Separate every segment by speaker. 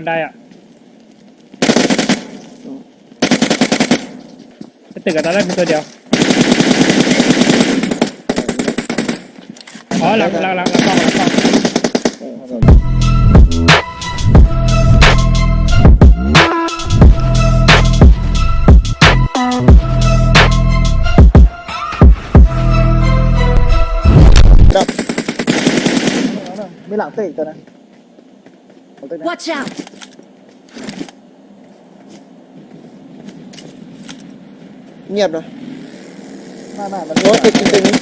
Speaker 1: ไดอ่ะตึกกับตอนแรกมีตัวเดียวอ๋อหลังกล้อง
Speaker 2: มีหลังตึกอีกตัวนะ
Speaker 3: Watch out!
Speaker 4: เงียบนะ
Speaker 2: ไม่มัน
Speaker 4: โอ้ตึกตึกนี้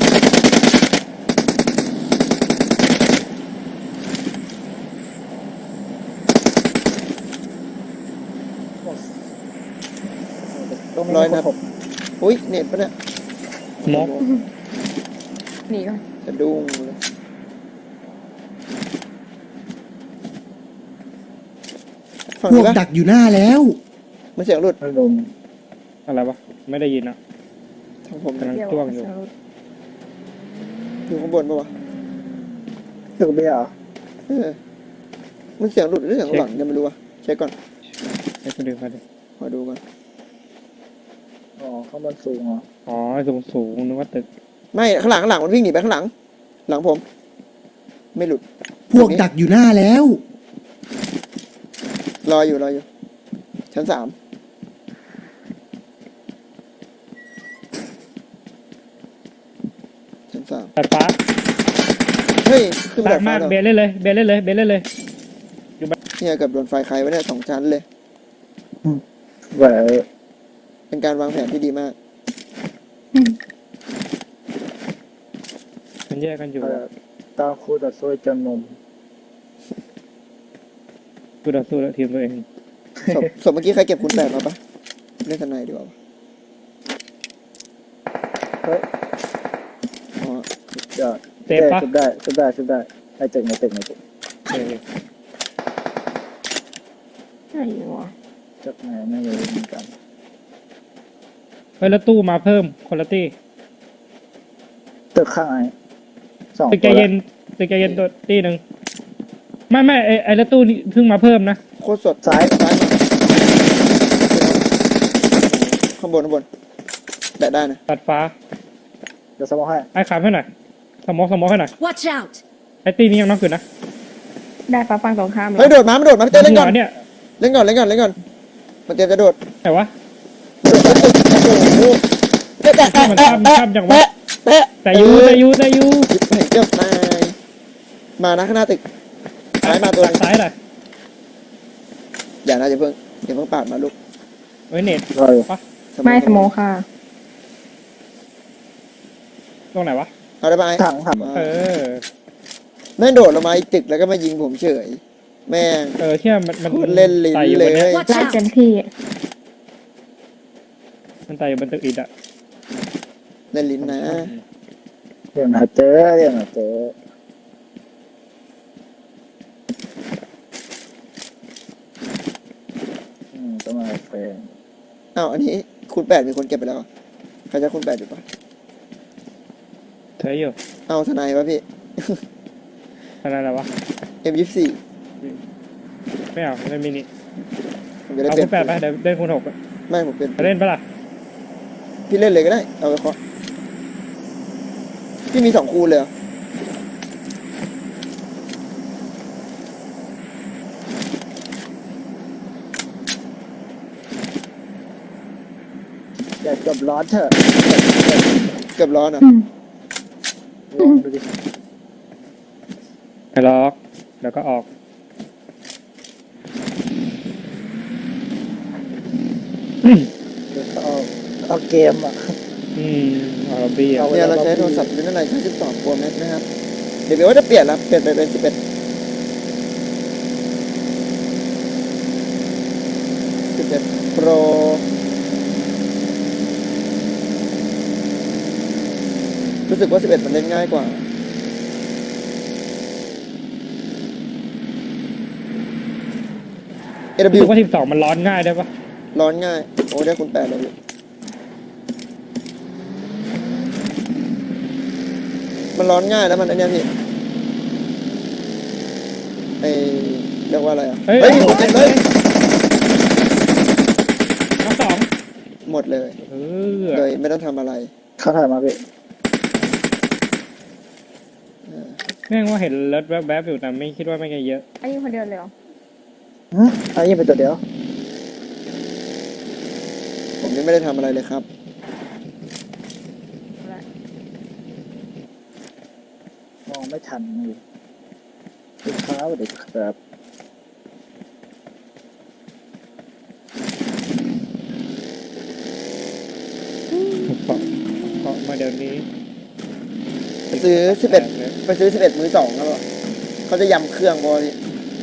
Speaker 4: ร้อยนัดอุ้ยเน็ตปะเนี่ย
Speaker 1: มก
Speaker 3: หนีก่อน
Speaker 4: จะดุ้งเลยฝั่ง
Speaker 5: พว
Speaker 4: นี้
Speaker 5: ก
Speaker 4: ปะ
Speaker 5: ดักอยู่หน้าแล้ว
Speaker 4: มันเสียงหลุด
Speaker 2: ไม่ลง
Speaker 1: อะไรวะไม่ได้ยินอ่ะ
Speaker 4: ทางผม
Speaker 1: กำลังจ้วงอยู่
Speaker 4: อยู่ข้างบนปะวะ
Speaker 2: ตึกเบียร์เหรอ
Speaker 4: มันเสียงหลุดหรือเสียงหลังยังไม่รู้วะเช็คก่อน
Speaker 1: ไอ้คนดูเขาดิ
Speaker 4: ขอดูก่อน
Speaker 2: อ๋อข้างบนสูงเหรอ
Speaker 1: อ๋อสูงนึกว่าตึก
Speaker 4: ไม่ข้างหลังมันวิ่งหนีไปข้างหลัง หลังผม ไม่หลุด
Speaker 5: พวกดักอยู่หน้าแล้ว
Speaker 4: รออยู่ชั้น3ชั้น3
Speaker 1: ตัดฟ้า
Speaker 4: เฮ้ยขึ้นไป
Speaker 1: ตั
Speaker 4: ดา
Speaker 1: ด
Speaker 4: ดฟ้าม
Speaker 1: าก
Speaker 4: แล้ว
Speaker 1: เบนเล่นเลยเลย
Speaker 4: เนี่ยเกับโดนไฟใครไว้เนี่ย2 ชั้นเลย
Speaker 2: แหว
Speaker 4: เป็นการวางแผนที่ดีมาก
Speaker 1: มันแยกกันอยู่
Speaker 2: ตาคูดัดซวยจนนม
Speaker 1: กูต่อสู้แล้วทีมตัวเอง
Speaker 4: ศพเมื่อกี้ใครเก็บคุณแปดมาปะเล่นทนายดีกว่า
Speaker 2: เฮ้ย
Speaker 4: อ๋อ
Speaker 2: เดี๋ยว
Speaker 1: เตะปะ
Speaker 2: ชุบได้ไอ้ตึกในตึก
Speaker 1: เออ
Speaker 3: ไหนวะ
Speaker 2: จากไหนไม่รู้เหมือนกัน
Speaker 1: เฮ้ยแล้วตู้มาเพิ่มคนละตี้
Speaker 2: ตึกข้างไอ้2
Speaker 1: ตึกใจเย็นตัวตี้หนึ่งไม่ไอ้แล้วตู้นี่เพิ่งมาเพิ่มนะ
Speaker 4: โคตรสด
Speaker 2: ซ้าย
Speaker 4: มาข้างบนแตะได้นะ
Speaker 1: ตัดฟ้า
Speaker 2: เดี๋ยวสมองให้
Speaker 1: ไอ้ขามให้หน่อยสมองให้หน่อย
Speaker 3: Watch out!
Speaker 1: ไอ้ตี้นี้ยังน้องขึ้นนะ
Speaker 3: ได้ปะฟังตรงข้าม
Speaker 4: เฮ้ยโดดมาพี่เต้เล่นก่อน
Speaker 1: เนี่ย
Speaker 4: เล่นก่อนมันเตรียมจะโดด
Speaker 1: แต่ว่า
Speaker 4: โอ้โหแตะ
Speaker 1: มันข้ามจังวะแต่ยู
Speaker 4: หยิบให้เกือบตายมานะข้างหน้าตึกซ้ายมาตัวนึง
Speaker 1: ซ้ายหน่อย
Speaker 4: อย่าเพิ่งปาดมาลูก
Speaker 1: เฮ้ยเน็ต
Speaker 2: รออยู่
Speaker 3: ไม่สโมค่ะ
Speaker 1: ตรงไหนวะ
Speaker 4: เอาได้ไหม
Speaker 2: ถัง
Speaker 1: เออ
Speaker 4: แม่งโดดลงมาอีกตึกแล้วก็มายิงผมเฉยแม่ง
Speaker 1: เที่ยมัน
Speaker 4: โคตรเล่นลิ้น
Speaker 1: ไต่อยู่
Speaker 4: เล
Speaker 1: บนนี้
Speaker 4: ย
Speaker 3: Watch out! เต็มที่
Speaker 1: มันไต่อยู่บนตึกอิฐอะ
Speaker 4: เล่นลิ้นนะ
Speaker 2: เดี๋ยวหาเจอต้องมาแฟน
Speaker 4: อ้าวอันนี้คูณ8มีคนเก็บไปแล้วใครจะคูณ8อยู่ปะ
Speaker 1: เธออยู่
Speaker 4: เอาทนายวะพี่
Speaker 1: อะไรวะ
Speaker 4: M24
Speaker 1: ไม่เอาเล่นมินิ
Speaker 4: ผมจะได้
Speaker 1: เอา
Speaker 4: เปลี่
Speaker 1: คู
Speaker 4: ยน
Speaker 1: ณ8ไปเดี๋ยวเล่นคูณ6
Speaker 4: ไม่ผมเป็น
Speaker 1: จะเล่นปะล่ะ
Speaker 4: พี่เล่นเลยก็ได้เอาไปเคาะพี่มี2คูณเลยเหรอ
Speaker 2: อย่าจบร้อนเถอะ
Speaker 4: เกือบร้อนอ่ะ
Speaker 2: ลองดูดิ
Speaker 1: ไปล็อกเดี๋ยวก็ออก
Speaker 2: เอาเกมอ่ะ
Speaker 1: เอาล็อบบี้อะ
Speaker 4: เนี่ยเราใช้โทรศัพท์รุ่นอะไรใช้12 Pro Max นะครับเดี๋ยวว่าจะเปลี่ยนแล้วเปลี่ยนไปเป็น11 Pro รู้สึกว่า11มันเล่นง่ายกว่า
Speaker 1: รู้
Speaker 4: AW
Speaker 1: สึกว่า12มันร้อนง่ายได้ปะ
Speaker 4: ร้อนง่ายโอ้ได้คุณ8เลยมันร้อนง่ายแล้วมันอันเนี้ยพี่ไอเรียกว่าอะไรอ่ะ
Speaker 1: เฮ้ย
Speaker 4: เฮ้ยหมดเลย
Speaker 1: ทั้งสอง
Speaker 4: หมดเลย
Speaker 1: เออ
Speaker 4: เลยไม่ต้องทำอะไร
Speaker 2: เขาถ่ายมาพี่
Speaker 1: แม่งว่าเห็นรถแวบๆอยู่แต่ไม่คิดว่าไม่งจะเยอะ
Speaker 3: ไอ้ยิงคนเดียวเลยเหรอ
Speaker 2: อันนี้เป็นตัวเดียว
Speaker 4: ผมยังไม่ได้ทำอะไรเลยครับ
Speaker 3: เอาละ
Speaker 2: มองไม่ทันเลยลูกค้าสวัสดีครับ
Speaker 1: เพราะมาเดี๋ยวนี้
Speaker 4: ไปซื้อ11 มือ 2ครับเขาจะยำเครื่องบอพี่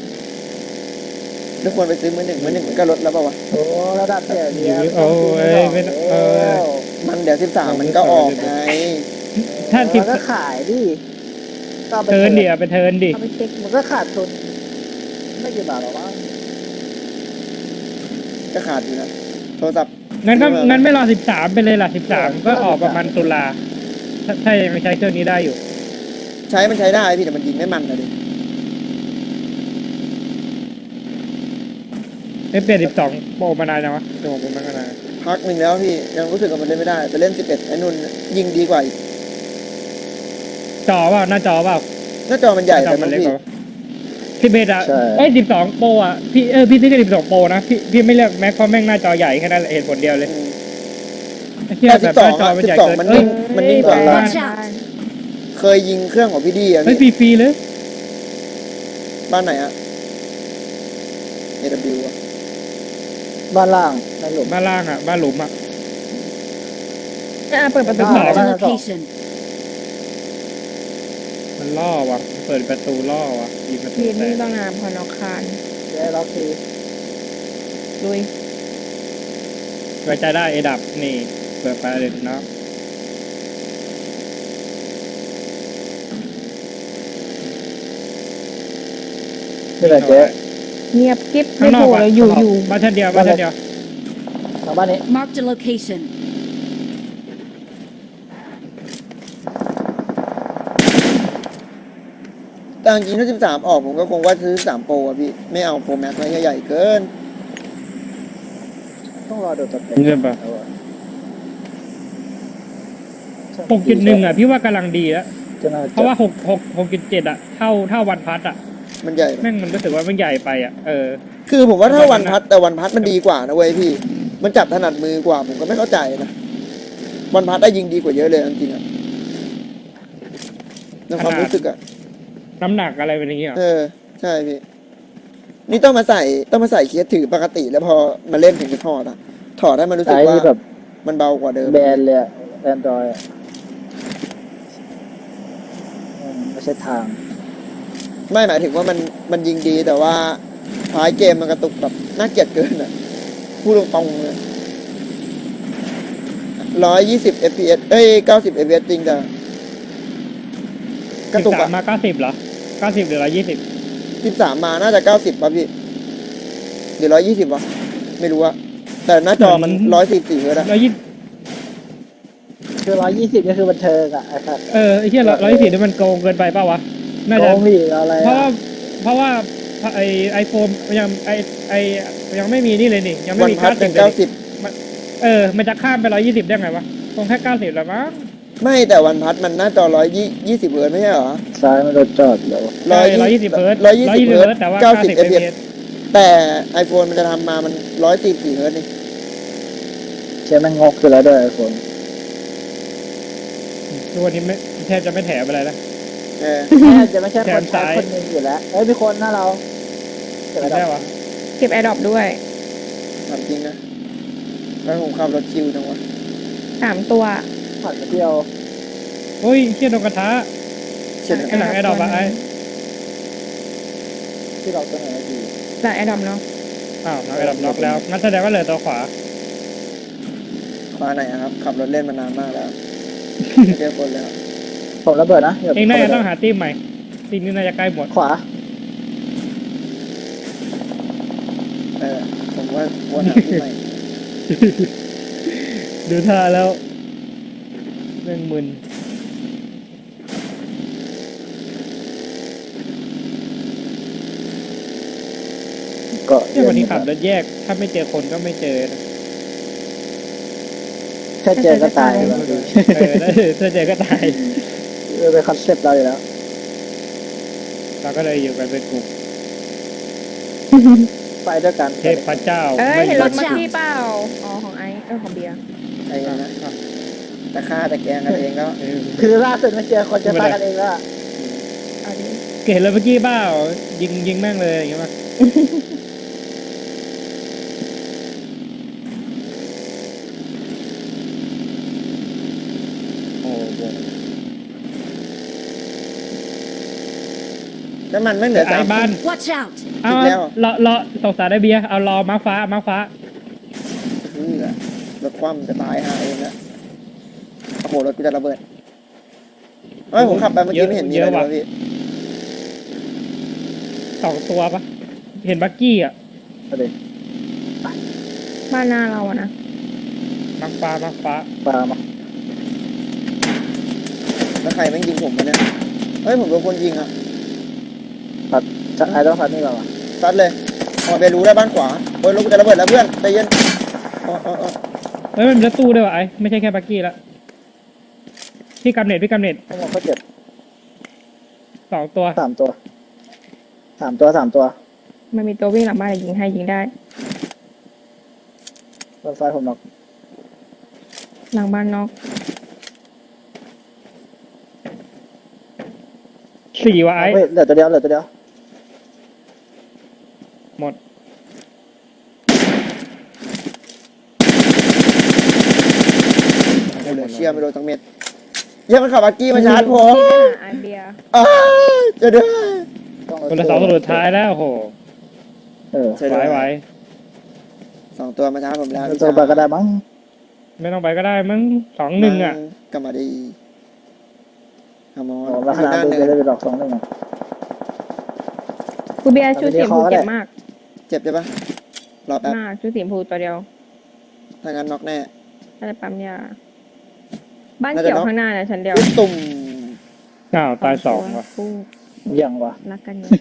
Speaker 4: ไม่ควรไปซื้อมือ 1 มันก็ลดแล้วเปล่าวะ
Speaker 2: โอ้ระดับเนี่ยเดียว
Speaker 1: โอ้ยไม่ต้อง
Speaker 4: มันเดี๋ยว13มันก็ออกไง
Speaker 1: ถ้าสิบ
Speaker 2: มันก็ขายดิก็อาไป
Speaker 1: เทิร์นดิเอาไปเทิร์นดิ
Speaker 3: เอาไปเช็ค
Speaker 2: มันก็ขาดทุนไม่กี่บาทหรอกมั้ง
Speaker 4: ก็ขาดอยู่นะโทรศัพท์
Speaker 1: งั้นไม่รอ13ไปเลยล่ะ13ก็ออกประมาณตุลาถ้ายังไม่ใช้เครื่องนี้ได้อยู่
Speaker 4: มันใช้ได้พี่แต่มันยิงไม่มันนะดิ
Speaker 1: เปลี่ยน12โปรมานานยังวะตัวผมมันก็นาน
Speaker 4: พักหนึ่งแล้วพี่ยังรู้สึกว่ามันเล่นไม่ได้แต่เล่น11ไอ้นุ่นยิงดีกว่าอีก
Speaker 1: จอเปล่าหน้าจอเปล่า
Speaker 4: หน้าจอมันใหญ่
Speaker 1: หน้าจ
Speaker 4: แต่
Speaker 1: อมันเล็ก
Speaker 4: พี่
Speaker 1: กว่าพี่เบสอะ
Speaker 2: ใช่
Speaker 1: 12โปรอะพี่ซื้อแค่12โปรนะพี่ไม่เลือกแม็กเพราะแม่งหน้าจอใหญ่แค่นั้นแหละเหตุผลเดียวเลย
Speaker 4: อืม
Speaker 1: ไอ้เหี้ย
Speaker 4: แต่
Speaker 1: แบบหน้าจอมันใหญ่เกิน
Speaker 4: 12มันนิ่ง มันนิ่งกว่า
Speaker 1: บ้าน
Speaker 4: เคยยิงเครื่องของพี่ดีอะ
Speaker 1: เฮ้ย
Speaker 4: พี่
Speaker 1: ฟรีๆเลย
Speaker 4: บ้านไหนอะ AW อะ
Speaker 2: บ้านล่างในหลุม
Speaker 1: บ้านล่างอะบ้านหลุมอะ
Speaker 3: เปิดประตู
Speaker 2: บ้าน
Speaker 3: ก่อน
Speaker 2: ล่างสอง
Speaker 6: Location.
Speaker 1: มันล่อว่ะเปิดประตูล่อว่ะยิงประตู
Speaker 3: ทีม
Speaker 1: แต
Speaker 3: นี่
Speaker 1: ก
Speaker 3: ต้องงามพอนอกคาน
Speaker 2: เดี๋ยวล็อกที
Speaker 3: ลุย
Speaker 1: ไว้ใจได้เอดับนี่เปิดไปเลยเนาะ
Speaker 2: นี่แหละเจ๊
Speaker 3: เงียบกิ๊บ
Speaker 1: ข้า
Speaker 3: ไม่
Speaker 1: งนอ
Speaker 3: โผ
Speaker 1: ก
Speaker 3: ล่
Speaker 1: อะ
Speaker 3: เลยอยู่
Speaker 1: ข้างนอก
Speaker 3: อยู่
Speaker 1: บ้านชั้นเดียวบ้านชั้นเดียว
Speaker 2: ทางบ้านนี้
Speaker 6: Marked a location.
Speaker 4: แต่จริงๆถ้า13ออกผมก็คงว่าซื้อ13โปรอะพี่ไม่เอาโปรแม็กซ์ไว้ใหญ่ๆเกิน
Speaker 2: ต้องรอดูสเต็ป
Speaker 1: เงินปะ6.1อะพี่ว่ากำลังดีแล้ว
Speaker 2: จะน่า
Speaker 1: เพราะว่า6.7อะเท่าวันพัทอะ
Speaker 4: มันใหญ่ปะ
Speaker 1: แม่งมันรู้สึกว่ามันใหญ่ไปอะ
Speaker 4: คือผมว่าถ้าวันพัดแต่วันพัดมันดีกว่านะเว้ยพี่ มันจับถนัดมือกว่าผมก็ไม่เข้าใจนะวันพัดได้ยิงดีกว่าเยอะเลยจริงๆอะในความรู้สึกอะ
Speaker 1: น้ำหนักอะไรเป็นอย่างเงี้ย
Speaker 4: ใช่พี่นี่ต้องมาใส่เคสถือปกติแล้วพอมาเล่นถึงจะถอดอะถอดให้มันรู้สึก
Speaker 2: ไอ้
Speaker 4: ว่า
Speaker 2: นี่แบบ
Speaker 4: มันเบากว่าเดิม
Speaker 2: แบนเลยแอนดรอยไม่ใช่ทาง
Speaker 4: ไม่หมายถึงว่ามันยิงดีแต่ว่าท้ายเกมมันกระตุกแบบน่าเกลียดเกินอะพูดตรงๆเลย120 fps 90 fps จริงแต่กระตุกอะ
Speaker 1: 13มา90เหรอ90หรือ120
Speaker 4: 13มาน่าจะ90ป่ะพี่หรือ120วะไม่รู้อะแต่หน้าจอมัน144เฮิร์ตซ์อะ
Speaker 2: คือ120นี่คือบันเทิงอ่ะไอ้สัตว์
Speaker 1: ไอ้เหี้ย124นี่มันโกงเกินไปเปล่าวะน่า
Speaker 2: โก
Speaker 1: จะ
Speaker 2: งหลีอะไร
Speaker 1: เพราะว่าไอโฟนยังยังไม่มีนี่เลยนี่ยังไม่
Speaker 4: วัน
Speaker 1: มี
Speaker 4: พัดเป็น
Speaker 1: เลยนี่
Speaker 4: 90
Speaker 1: มันจะข้ามไป120ได้ไงวะคงแค่90แล้วมั้ง
Speaker 4: ไม่แต่วันพัดมันหน้าจอ120เฮิร์ตซ์ไม่ใช่เหรอ
Speaker 2: ซ้ายมันรถจอดแล้ว
Speaker 1: 120เฮิร์ตซ์
Speaker 4: 120
Speaker 1: 120
Speaker 4: เฮิ
Speaker 1: เฮิ
Speaker 4: ร์
Speaker 1: ร์
Speaker 4: ต
Speaker 1: ตซ์แต่ว่า
Speaker 4: ซ์90
Speaker 1: 90
Speaker 4: fps
Speaker 1: fps
Speaker 4: แต่ iPhone มันจะทำมามัน144เฮิร์ตซ์นี่
Speaker 2: เชื่อมันงกอยู่แล้วด้วยไอ้คน
Speaker 1: ทุกวันนี้แทบจะไม่แถมอะไรแล้ว
Speaker 2: แม่จะไม่ใช่คนใช้คนหนึงอยู่แล้วมีคนหน้าเราเกิดอะไร
Speaker 1: ได้วะ
Speaker 3: เก็บแอร์ดรอปด้วย
Speaker 4: ถามจริงนะแล้วผมขับรถคิวจังวะ
Speaker 3: 3 ตัว
Speaker 2: ผ่านมาเที่ยว
Speaker 1: โอ้ยเชี่ยโดนกระทะ
Speaker 4: เช่น
Speaker 1: ไอ้หลังไอ้ดอกอะไอ้
Speaker 2: ที่เราตัวไหนดี
Speaker 3: หลังแอร์ดรอปเนาะ
Speaker 1: อ้าวไอ้ดอกล็อกแล้วงั้นแสดงว่าเหลือตัวขวา
Speaker 4: ฟ้าไหนอะครับ ขับรถเล่นมานานมากแล้วไม่เจอคนแล้ว
Speaker 2: ผมระเบิดนะดี๋ยว
Speaker 1: เองน่าจะ
Speaker 2: ผม
Speaker 1: ต้องหาทีมใหม่ทีมนี้น่าจะใกล้หมด
Speaker 2: ขวา
Speaker 4: ผมว่าควรหาที่ใหม่
Speaker 1: ดูท่าแล้วเรื่องมึน
Speaker 2: ก็
Speaker 1: เนี่ยวันนี้ขับรถแยก ถ้าไม่เจอคนก็ไม่เจอนะ
Speaker 2: แค่เจอก็ตายแล้ว
Speaker 1: ถ้าเจอก็ตาย
Speaker 2: เป็นคอนเซ็ปต์เราอยู่แล้ว
Speaker 1: เราก็เลยอยู่กันเป็นกลุ่ม
Speaker 2: ไปด้วยกัน
Speaker 1: เทพเจ้า
Speaker 3: เอ้ย
Speaker 1: ไม่
Speaker 3: เห็นรถ
Speaker 1: หยุ
Speaker 3: มา
Speaker 1: ด
Speaker 3: ที่เปล่าอ๋อของไอซ์ของเบียร์
Speaker 4: ไอ้นะแต่ฆ่าแต่แกล้งกันเองแล้ว
Speaker 1: เออ
Speaker 2: คือล่าสุดมาเจอคนจะตายกันเองแล้วอะ
Speaker 3: เอาดิ
Speaker 1: เห็นเลยเมื่อกี้เปล่ายิงแม่งเลยอย่างเงี้ยป่ะ โอ้โห
Speaker 4: แล้วมันไม่เหลือ
Speaker 1: ไอ้
Speaker 4: 3
Speaker 1: บ้าน
Speaker 6: Watch out!
Speaker 1: เอา
Speaker 4: อีกแล้ว
Speaker 1: รอสงสารได้เบียร์เอารอมาฟ้า
Speaker 4: รถคว่ำจะตายหาเองแล้วโอ้โหรถกูจะระเบิดเฮ้ยผมขับไปเมื่อกี้ไม่เห็นมีอะไรเลยพี่
Speaker 1: 2 ตัวปะเห็นบักกี้อ่ะ
Speaker 2: เอาดิ
Speaker 3: บ้านหน้าเราอะนะ
Speaker 1: มักฟ้า
Speaker 2: ปามา
Speaker 4: แล้วใครแม่งยิงผมมาเนี่ยเฮ้ยผมโดนคนยิงอ่ะ
Speaker 2: จะไอ้ต้องพัดนี่ก่อนวะ
Speaker 4: ซัดเลยพอไปรู้ได้บ้านขวาโอ้ยรถกูจะระเบิดแล้วเพื่อนใจเย็นอ๋อ
Speaker 1: เฮ้ยมันมีรถตู้ด้วยวะไอ้ไม่ใช่แค่บักกี้ละพี่กำเนิด
Speaker 2: ทั้งหมดเขาเจ็บ
Speaker 1: 2 ตัว
Speaker 2: 3 ตัว
Speaker 3: มันมีตัววิ่งหลังบ้านยิงให้ยิงได้
Speaker 2: รถไฟผมน็อก
Speaker 3: หลังบ้านนอก
Speaker 1: 4วะไอ้
Speaker 2: เฮ้ยเหลือตัวเดียว
Speaker 1: หมด
Speaker 4: เหลือเชี่ยไม่โดนทั้งเม็ดเยี่ยมันขับอากี้มาชาร์จผม
Speaker 3: ที่ไปหาไอเบียร์
Speaker 4: อ้าวจะเด้อ
Speaker 1: คนละ2 ตัวสุดท้ายแล้วโอ้โห
Speaker 2: เออ
Speaker 1: ไหว
Speaker 4: 2 ตัวมาชาร์จผมแล้ว
Speaker 2: ตัวไปก็ได้มั้ง
Speaker 1: ไม่ต้องไปก็ได้มั้ง2-1อ่ะ
Speaker 4: กลับมาดีขโมย
Speaker 2: โอ้ราคาดูจะได้ไปดอก2 1
Speaker 3: กูเบียร์ชูสีชมพูเจ็บมาก
Speaker 4: เจ็บใช่ปะรอแป๊บ
Speaker 3: มากชูสีชมพูตัวเดียว
Speaker 4: ถ้างั้นน็อกแน่
Speaker 3: อะไรปั๊มยาบ้านเขียวข้างหน้านะฉันเดียว
Speaker 4: ตุ่ม
Speaker 1: อ้าวตาย2ว่ะ
Speaker 3: คู่
Speaker 2: ยังวะ
Speaker 3: รักกันอยู่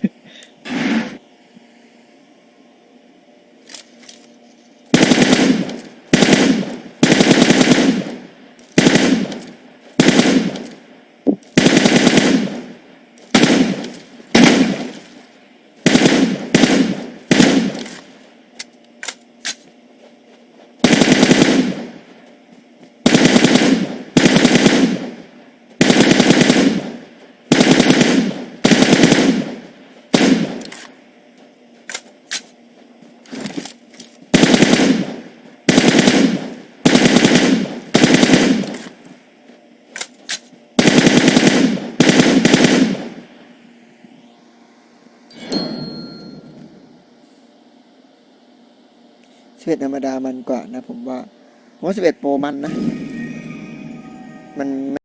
Speaker 4: 11ธรรมดามันกว่านะผมว่า11 โปรมันนะมัน